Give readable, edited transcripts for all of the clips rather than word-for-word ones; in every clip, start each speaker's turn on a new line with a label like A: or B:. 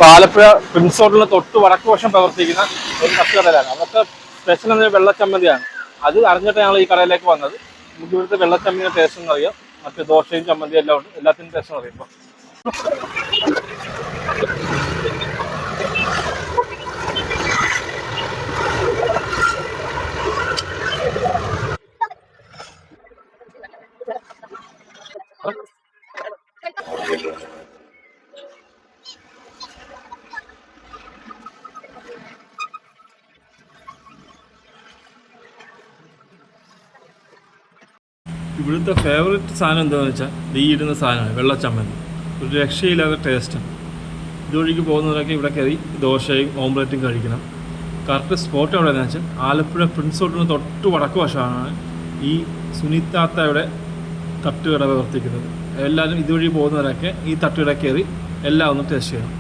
A: Alappuzha Prince ഹോട്ടലിന് തൊട്ട് വടക്ക് വശം പ്രവർത്തിക്കുന്ന ഒരു തട്ടുകടയിലാണ്. അതൊക്കെ സ്പെഷ്യൽ എന്ന വെള്ളച്ചമ്മന്തിയാണ്. അത് അറിഞ്ഞിട്ട് ഞങ്ങൾ ഈ കടയിലേക്ക് വന്നത്. നമുക്ക് ഇവിടുത്തെ വെള്ളച്ചമ്മന്തിയുടെ ടേസ്റ്റ് എന്ന് അറിയാം. മറ്റു ദോശയും ചമ്മന്തിയും എല്ലാം ഉണ്ട്. എല്ലാത്തിനും ടേസ്റ്റ് അറിയുമ്പോൾ ഇവിടുത്തെ ഫേവറേറ്റ് സാധനം എന്താണെന്ന് വെച്ചാൽ ഈ ഇടുന്ന സാധനമാണ് വെള്ളച്ചമ്മന്തി. ഒരു രക്ഷയില്ലാത്ത ടേസ്റ്റാണ്. ഇതുവഴിക്ക് പോകുന്നവരൊക്കെ ഇവിടെ കയറി ദോശയും ഓംലെറ്റും കഴിക്കണം. കറക്റ്റ് സ്പോട്ട് എവിടെയാണെന്ന് വെച്ചാൽ ആലപ്പുഴ പ്രിൻസ് ഹോട്ടലിന് തൊട്ട് വടക്ക് വശമാണ് ഈ സുനിത്താത്തയുടെ തട്ടുകട പ്രവർത്തിക്കുന്നത്. എല്ലാവരും ഇതുവഴി പോകുന്നവരൊക്കെ ഈ തട്ടുകട കയറി എല്ലാം ഒന്ന് ടേസ്റ്റ് ചെയ്യണം.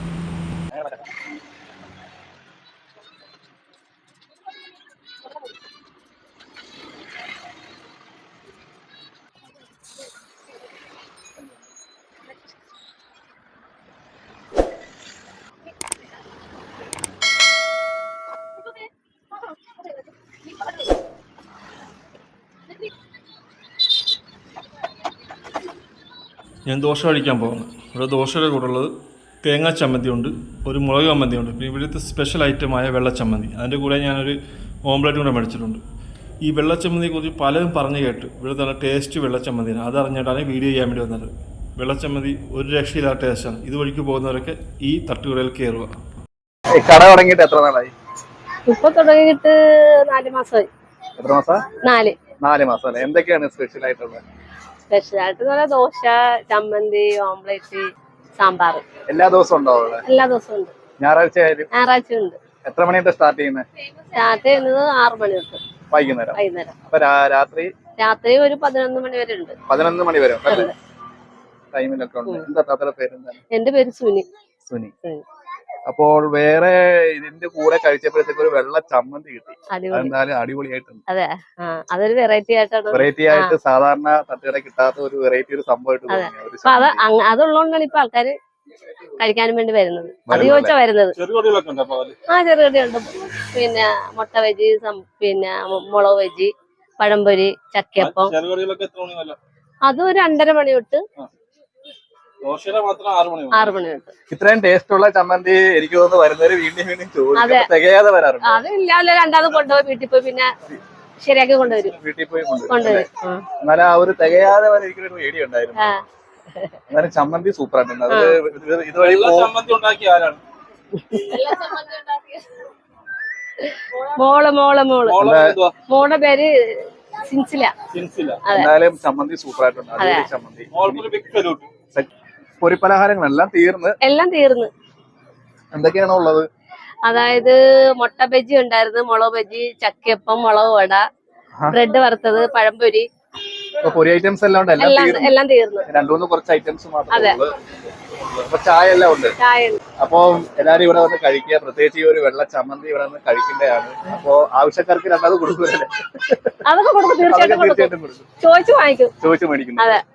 A: ഞാൻ ദോശ കഴിക്കാൻ പോകുന്നു. ഇവിടെ ദോശയുടെ കൂടെ ഉള്ളത് തേങ്ങാ ചമ്മന്തി ഉണ്ട്, ഒരു മുളക് ചമ്മന്തി ഉണ്ട്, പിന്നെ ഇവിടുത്തെ സ്പെഷ്യൽ ഐറ്റമായ വെള്ളച്ചമ്മന്തി. അതിൻ്റെ കൂടെ ഞാനൊരു ഓംലെറ്റ് കൂടെ മേടിച്ചിട്ടുണ്ട്. ഈ വെള്ളച്ചമ്മന്തിയെക്കുറിച്ച് പലരും പറഞ്ഞു കേട്ടു. ഇവിടുത്തെ നല്ല ടേസ്റ്റ് വെള്ളച്ചമ്മന്തിയാണ്. അതറിഞ്ഞിട്ടാണ് വീഡിയോ ചെയ്യാൻ വേണ്ടി വന്നത്. വെള്ളച്ചമ്മന്തി ഒരു രക്ഷയില്ലാത്ത ടേസ്റ്റാണ്. ഇതുവഴിക്ക് പോകുന്നവരൊക്കെ ഈ തട്ടുകടയിൽ കയറുക.
B: കട തുടങ്ങിയിട്ട് എത്ര നാളായി?
C: ഇപ്പൊ തുടങ്ങിയിട്ട് 4 മാസമായി.
B: എത്ര മാസം? 4 മാസം അല്ലേ? എന്തൊക്കെയാണ് സ്പെഷ്യൽ ആയിട്ടുള്ളത്?
C: സ്പെഷ്യലായിട്ട് നല്ല ദോശ, ചമ്മന്തി, ഓംലെറ്റ്, സാമ്പാർ.
B: എല്ലാ ദിവസവും ഉണ്ടോ അവിടെ?
C: എല്ലാ ദിവസവും ഉണ്ട്.
B: ഞായറാഴ്ച
C: ഉണ്ട്.
B: എത്ര മണിയായിട്ട് സ്റ്റാർട്ട് ചെയ്യുന്നത്?
C: സ്റ്റാർട്ട് ചെയ്യുന്നത് 6 മണി തൊട്ട്
B: വൈകുന്നേരം. അപ്പൊ രാത്രി
C: ഒരു 11 മണി വരെ ഉണ്ട്.
B: 11 മണി വരെ ടൈമിലൊക്കെ ഉണ്ട്. എന്താ താത്തയുടെ പേരെന്താണ്?
C: എന്റെ പേര് സുനി.
B: അപ്പോൾ വേറെ ഇതിന്റെ കൂടെ കഴിച്ചപ്പോഴത്തേക്ക് ഒരു വെള്ള ചമ്മന്തി കിട്ടി. എന്തായാലും അടിപൊളിയായിട്ടുണ്ട്.
C: അതെ, അതൊരു വെറൈറ്റി ആയിട്ടാണ്.
B: വെറൈറ്റി ആയിട്ട് സാധാരണ തട്ടുകട കിട്ടാത്ത ഒരു വെറൈറ്റി ഒരു സംഭവമായിട്ട്
C: അതുള്ളതുകൊണ്ടാണ് ഇപ്പൊ ആൾക്കാര് കഴിക്കാനും വേണ്ടി വരുന്നത്. അത് ചോദിച്ചാ വരുന്നത്. ചെറുകടിയുണ്ട്. പിന്നെ മുട്ട വെജി, പിന്നെ മുളക് വെജി, പഴംപൊരി, ചക്കയപ്പം. അതും ഒരു 2:30 മണി തൊട്ട് 6 മണി തൊട്ട്.
B: ഇത്രയും ടേസ്റ്റ് ഉള്ള ചമ്മന്തി എനിക്ക് തോന്നുന്നു വരുന്നവര് വീണ്ടും വീണ്ടും ചോദിക്കും. തികയാതെ വരാറുണ്ട്.
C: അത് ഇല്ലാതെ രണ്ടാമത് കൊണ്ടുപോയി വീട്ടിൽ പോയി പിന്നെ ശരിയാക്കി കൊണ്ടുവരും.
B: വീട്ടിൽ പോയി കൊണ്ടുവരും. എന്നാലും ആ ഒരു തികയാതെ വരെ എനിക്കൊരു പേടി ഉണ്ടായിരുന്നു. എന്നാലും ചമ്മന്തി സൂപ്പർ ആയിട്ടുണ്ട്. അത് ഇതുവഴി
C: മോളുടെ പേര് സിൻസില.
B: എന്തായാലും ചമ്മന്തി സൂപ്പർ ആയിട്ടുണ്ട്. അടിപൊളി ചമ്മന്തി. പൊരിപ്പലഹാരങ്ങളെല്ലാം തീർന്ന് എന്തൊക്കെയാണോ ഉള്ളത്?
C: അതായത് മുട്ട ബജി ഉണ്ടായിരുന്നു, മുളക് ബജി, ചക്കയപ്പം, മുളക് വട, ബ്രെഡ് വറുത്തത്, പഴംപൊരി.
B: പൊരി ഐറ്റംസ് എല്ലാം ഉണ്ട്.
C: എല്ലാം തീർന്നു.
B: 2-3 കുറച്ച് ഐറ്റംസ് മാത്രമേ ഉള്ളൂ. അപ്പൊ ചായ എല്ലാം ഉണ്ട്. അപ്പൊ എല്ലാരും ഇവിടെ വന്ന് കഴിക്കുക. പ്രത്യേകിച്ച് ഈ ഒരു വെള്ള ചമ്മന്തി ഇവിടെ വന്ന് കഴിക്കേണ്ടതാണ്. അപ്പൊ ആവശ്യക്കാർക്ക് രണ്ടാമത് കൊടുക്കൂലേ?
C: അതൊക്കെ കൊടുക്കും, തീർച്ചയായിട്ടും കൊടുക്കും. ചോദിച്ചു മേടിക്കുന്നു.